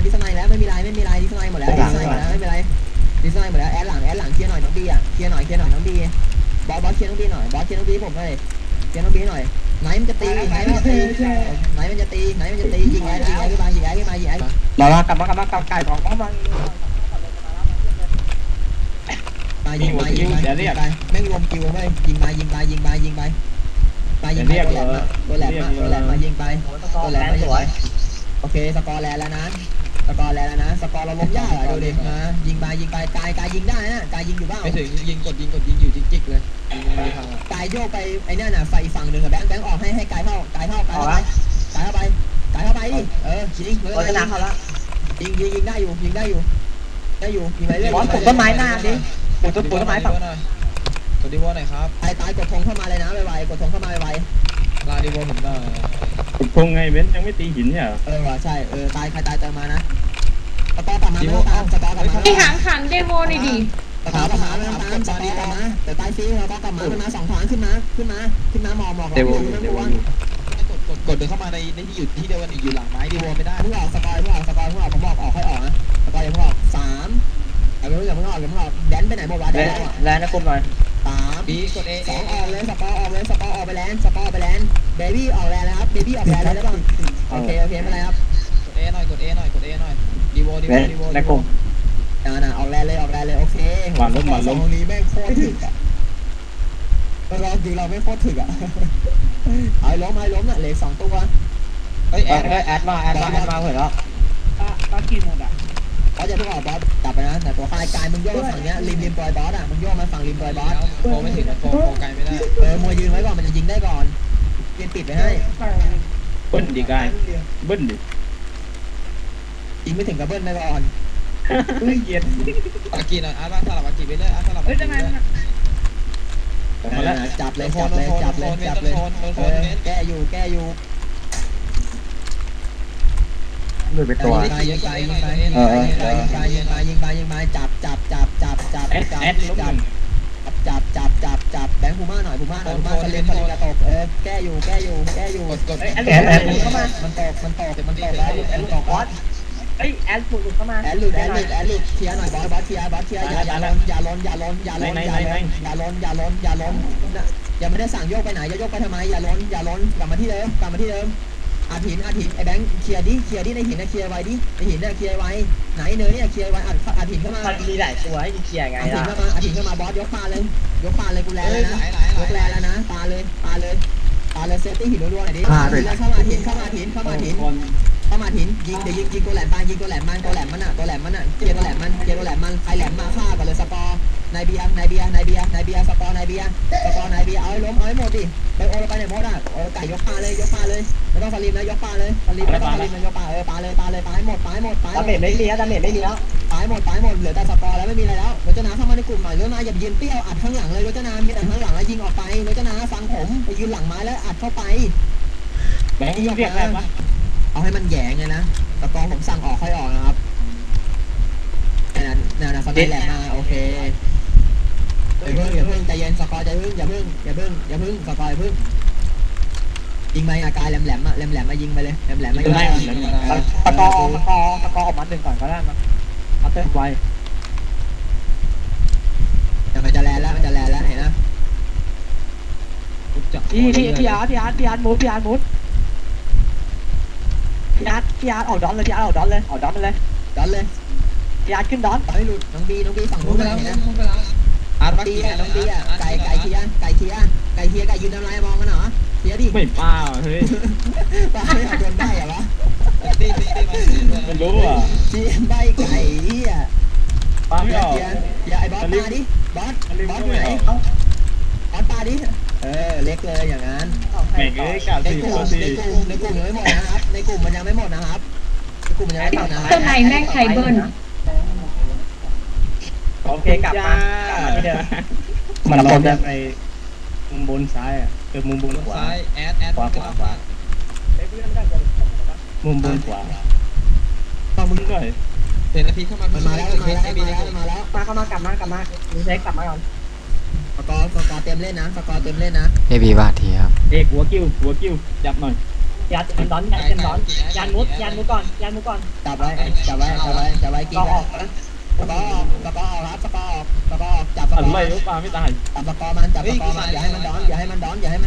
ดิสไนแล้วไม่มีไรดิสไนหมดแล้วดิสไนหมดแล้วไม่เป็นไรดิสไนหมดแล้วแอดหลังเคลียร์หน่อยน้องบีอ่ะเคลียร์หน่อยน้องบีบอสเคลียร์น้องบีหน่อยบอสเคลียร์น้องบีผมเลยเคลียร์น้องบีหน่อยไหนมันจะตียิงแอดขึ้นมาเรากลับมาไก่ของมันยิงไปแม่งรวมคิวไปยิงไปตัวแหลมมายิงไปตัวแหลมสวยโอเคสกอร์แลนแล้วนะสกอร์เราล้มยากดูดิมายิงไปกายยิงได้นะกายยิงอยู่บ้างไม่ถึงยิงกดอยู่จิกเลยกายโยกไปไอ้นั่นน่ะไฟฝั่งหนึ่งกับแบงค์ออกให้กายเข้าไปยิงยิงได้อยู่ยิงไปเรื่อยปลูกต้นไม้หน้าดิปลูกต้นไม้ฝั่งกดดีวอหน่อยครับตายกดธงเข้ามาเลยนะไวๆกดธงเข้ามาไวลาดีวอผมได้กดธงไงเว้นยังไม่ตีหินเนี่ยว่ะใช่ตายใครตายเติมมานะสกอร์กลับมาไม่ต้องตามสกอร์กลับมาที่ขังเดโมหน่อยดิสกอร์กลับมาไม่ต้องตามสกอร์กลับมาแต่ตายฟรีสกอร์กลับมา2 ทางขึ้นมาหมอกเดวกดเดินเข้ามาในที่อยู่ที่เดียวกันอยู่หลังไม้ดีวอไม่ได้เพิ่งออกสกอร์ผมบอกออกค่อยออกนะสกอร์ยังไม่ออก3อย่าเพิ่งออกแดนไปไหนหมดวะแดนแล้วนะกลุ่มหน่อย 3บีกด A 2ออกเลยสกอร์ออกไปแลนเบบี้ออกแลนแล้วครับเบบี้ออกแลนเลยแล้วป่ะโอเคไม่เป็นไรครับกด A หน่อยดีวอในกลุ่มออกแลนเลยโอเคมาล้มนี้แม่งโคตรถึกอ่ะเราจริงเราไม่โคตรถึกอ่ะเอาล้มน่ะเหลือ2 ตัวแอดมาเห็นแล้วตากินหมดอ่ะบอสจะเพิ่งออกบอสจับไปนะแต่ตัวกายมึงโยกฝั่งเนี้ยริมปลอยบอสอ่ะมึงโยกมาฝั่งริมปลอยบอสโฟไม่ถึงโฟไกลไม่ได้มวยยืนไว้ก่อนมันจะยิงได้ก่อนเกมปิดไปให้เบิ้ลดิกายเบิ้ลดิยิงไม่ถึงกับเบิ้ลไปก่อนเย็นตะกี้หน่อยอาร์ตสลับตะกี้ไปเลยอาร์ตสลับจับเลยแก้อยู่มือเป็นตัวยิงไปจับแบงค์พูม่าหน่อยสลิมกระตกแก้อยู่กดแอดเข้ามามันตกแล้วบอสแอดหลุดเข้ามาแอดหลุดเคลียร์หน่อยบอสเคลียร์อย่าล้นยังไม่ได้สั่งโยกไปไหนจะโยกไปทำไมอย่าล้นกลับมาที่เดิมอาถินไอ้แบงค์เคลียร์ดิในหินนะเคลียร์ไว้ดิในหินเนี่ยเคลียร์ไว้ไหนเนยเนี่ยเคลียร์ไว้อาถินเข้ามามีหลายตัวให้เคลียร์ไงอาถินเข้ามาบอสยกปลาเลยกูแลแล้วนะยกแลแล้วนะปลาเลยเซฟตี้หินรัวๆหน่อยดิเข้ามาถินยิงเดี๋ยวยิงตัวแหลมมันเคลียร์ตัวแหลมมันใครแหลมมาฆ่ากันเลยสกอร์นายเบียร์สกอร์นายเบียร์เอาให้ล้มเอาให้หมดดิไปโอเราไปไหนหมดอ่ะไก่ยกปลาเลยไม่ต้องสลิมนะยกปลาเลยไม่ต้องสลิมนะยกปลาปลาให้หมดดาเมจไม่มีแล้วปลาให้หมดเหลือแต่สกอร์แล้วไม่มีอะไรแล้วรจนาเข้ามาในกลุ่มหน่อยรจนาอย่ายืนเปี้ยวอัดข้างหลังเลยรจนามีอัดข้างหลังแล้วยิงออกไปรจนาฟังผมไปยืนหลังไม้แล้วอัดเข้าไปแบงค์เรียกอะไรวะเอาให้มันแหยงไงนะตะกองผมสั่งออกค่อยออกนะครับนั่นสไนแหลมมาโอเคอย่าเพิ่งใจเย็นสกอร์อย่าเพิ่งสกอร์อย่าเพิ่งยิงไปกายแหลมมายิงไปเลยแหลมมายิงไปตะกอออกมา1ก่อนก็ได้มาเอาเติมไวแต่มันจะแลนแล้วเห็นนะพี่อาร์ตมูฟพี่อาร์ตออกดอนเลยพี่อาร์ตออกดอนเลยพี่อาร์ตขึ้นดอนให้หลุดน้องบีฝั่งนู้นเลยนะอาร์ตน้องบีอ่ะไก่เคลียร์ไก่ยืนทำไรมองกันเหรอเคลียร์ดิไม่ป้าเฮ้ยป้าไม่เอาโดนใบเหรอวะตีมันรู้อ่ะตีใบไก่อ่ะป้าไม่ออกอย่าไอ้บอสตาดิบอสไหนบอสตาดิเล็กเลยอย่างนั้นแม่งเลยกาดในกลุ่มยังไม่หมดนะครับในกลุ่มมันยังไม่หมดนะครับต้นไหนแม่งไข่เบิ้ลโอเคกลับมาที่เดิมมันเราจะไปมุมบนซ้ายอ่ะมุมบนขวาซ้ายแอดขวามุมบนขวาเข้ามึงด้วยเห็นนาทีเข้ามาแล้วเข้ามากลับมาดูเช็คกลับมาก่อนสกอร์เต็มเล่นนะเอบีบาทีครับหัวกิ้วจับหน่อยยัดมันดอนยัดมันดอนยันมุดก่อนยันมุดก่อนจับไว้กินก็ไว้ออกนะสกอร์ครับสกอร์จับสกอร์อะไรลูกปลาไม่ตายจับสกอร์มันอย่าให้มันดอนอย่าให้มันดอนได้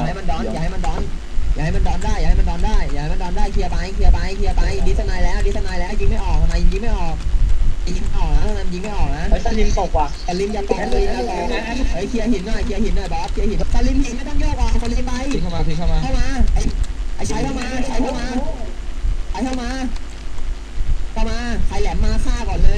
เคลียร์ไปดิสไนแล้วยิงไม่ออกทำไมยิงไม่ออกนะมันยิงไม่ออกนะสลิมตกว่ะสลิมอย่าตกเลยนะเฮ้ยเคลียร์หินหน่อยบอสเคลียร์หินสลิมหินไม่ต้องโยกออกสลิมไปทิ้งเข้ามาไอ้ใช้เข้ามาใครแหลมมาฆ่าก่อนเลย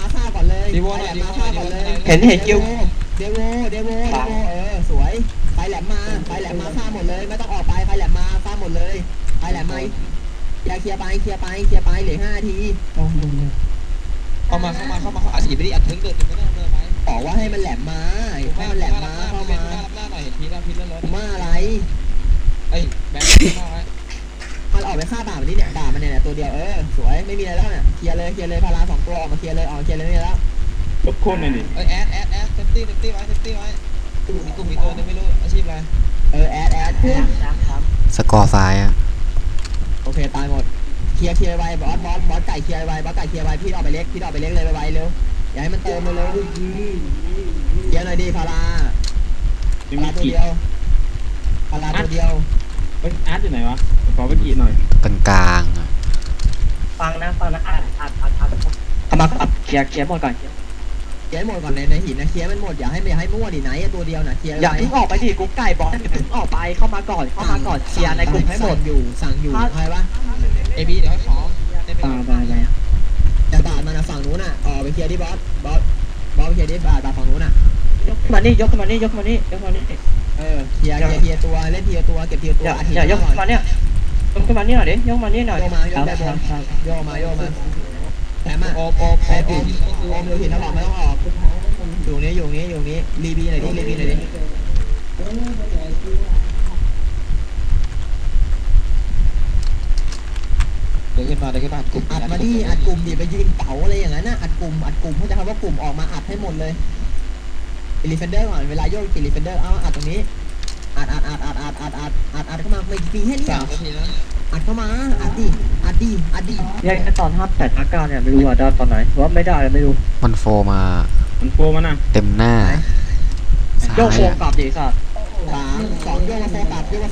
เห็นคิวเดโวสวยใครแหลมมาฆ่าหมดเลยไม่ต้องออกไปใครแหลมมาฆ่าหมดเลยใครแหลมมาอย่าเคลียร์ไปเหลือ5 ทีเข้ามาอัดถีบไปดิอัดถึงเดินไม่ต้องเดินไปบอกว่าให้มันแหลมมาเข้ามาหน้าหน่อยเห็นพีแล้วรถมาอะไรเอ้ยแบงค์เข้าไว้มันออกไปฆ่าด่ามันนี่เนี่ยด่ามันเนี่ยตัวเดียวสวยไม่มีอะไรแล้วเนี่ยเคลียร์เลยพารา2 ตัวออกมาเคลียร์เลยไม่มีแล้วลูกโคนหน่อยดิเอ้ยแอดเซฟตี้ไว้มีกลุ่มมีตัวนึงไม่รู้อาชีพอะไรแอดสกอร์ซ้ายอะโอเคตายหมดเคลียร์ไว้บอสไก่เคลียร์ไว้พี่ออกไปเล็กเลยไวๆเร็วอย่าให้มันเติมเร็วเคลียร์หน่อยดิพาราตัวเดียวเฮ้ยอาร์ตอยู่ไหนวะขอไปกี่หน่อยกลางๆอะฟังนะเอามาขับเคลียร์หมดก่อนเคลียร์หมดก่อนในหินนะเคลียร์มันหมดอย่าให้มั่วดิไหนตัวเดียวนะเคลียร์อย่าเพิ่งออกไปดิกุ๊กไก่บอลอย่าเพิ่งออกไปเข้ามาก่อนเคลียร์ในกลุ่มให้หมดสั่งอยู่ใครวะเอบีเดี๋ยวขอจะบาดมันฝั่งนู้นน่ะออกไปเคลียร์ที่บอสไปเคลียร์ที่บาดฝั่งนู้นน่ะยกมานี่เคลียร์ตัวเล่นทีละตัวอย่ายกมาเนี่ยยกมานี่หน่อยดิยกมานี่หน่อยโยมาแถมอ่ะโอมอยู่หินแล้วบอกไม่ต้องออกอยู่นี้รีบีหน่อยดิเดินขึ้นมากลุ่มอัดมาดิอัดกลุ่มดิไปยืนเป๋าอะไรอย่างนั้นนะอัดกลุ่มเขาจะทำว่ากลุ่มออกมาอัดให้หมดเลยอิลิเฟนเดอร์ก่อนเวลาโยกอิลิเฟนเดอร์เอาอัดตรงนี้อัดเข้ามาไม่ปีให้นี่ 3 นาทีนะอัดเข้ามาอัดดิแยกตอน58-59เนี่ยไม่รู้ว่าได้ตอนไหนว่าไม่ได้ไม่รู้มันโฟมามันโฟมานะเต็มหน้าซ้าโยกยโฟอะกลับดิสัตว์ 3 2โยกมาโฟกลับโฟ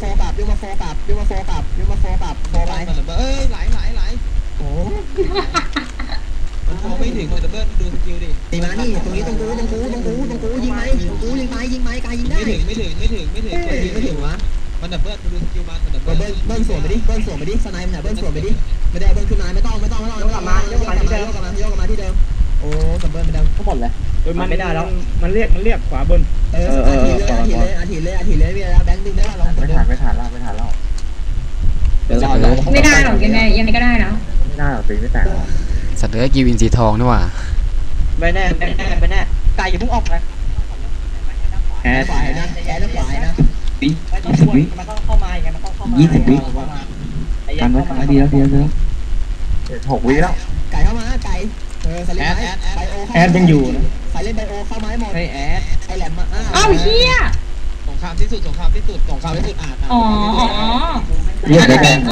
ไปเอ้ยไหลโอ้มันโฟไม่ถึงเลยดับเบิ้ลดูสกิลดิตีมานี่ตรงนี้ตรงกูยิงไหมกายยิงได้ไม่ถึงวะมันดับเบิ้ลดูสกิลมันดับเบิ้ลเบิ้ลสวนไปดิสไนป์เนี่ยเบิ้ลสวนไปดิไม่ได้เบิ้ลขึ้นมาไม่ต้องโยกกลับมาที่เดิมโอ้กับเบิ้ลไม่ได้ทั้งหมดเลยมันไม่ได้แล้วมันเรียกขวาบนอาทิเลยมีแล้วแบงค์ดึงได้ลองกดดูไม่ทันแล้วเดี๋ยวรอไม่ได้หรอกยังไงก็ได้นะไม่ได้หรอกตีไม่แตกสัตว์เลื้อยกิวอินทรีทองนี่หว่าไม่แน่ไก่อย่าเพิ่งออกนะแอดขวานะไม่ต้องช่วยมันต้องเข้ามาอย่างเงี้ยมันต้องเข้ามา20 วิกันไว้กันดีแล้ว6 วิแล้วไก่เข้ามาไก่สลิปไบโอแอดยังอยู่นะใครเล่นไบโอเข้ามาให้หมดเฮ้ยแอดไอแหลมมาอ้าวเฮียสงครามที่สุดอ่านอ๋อเรียกได้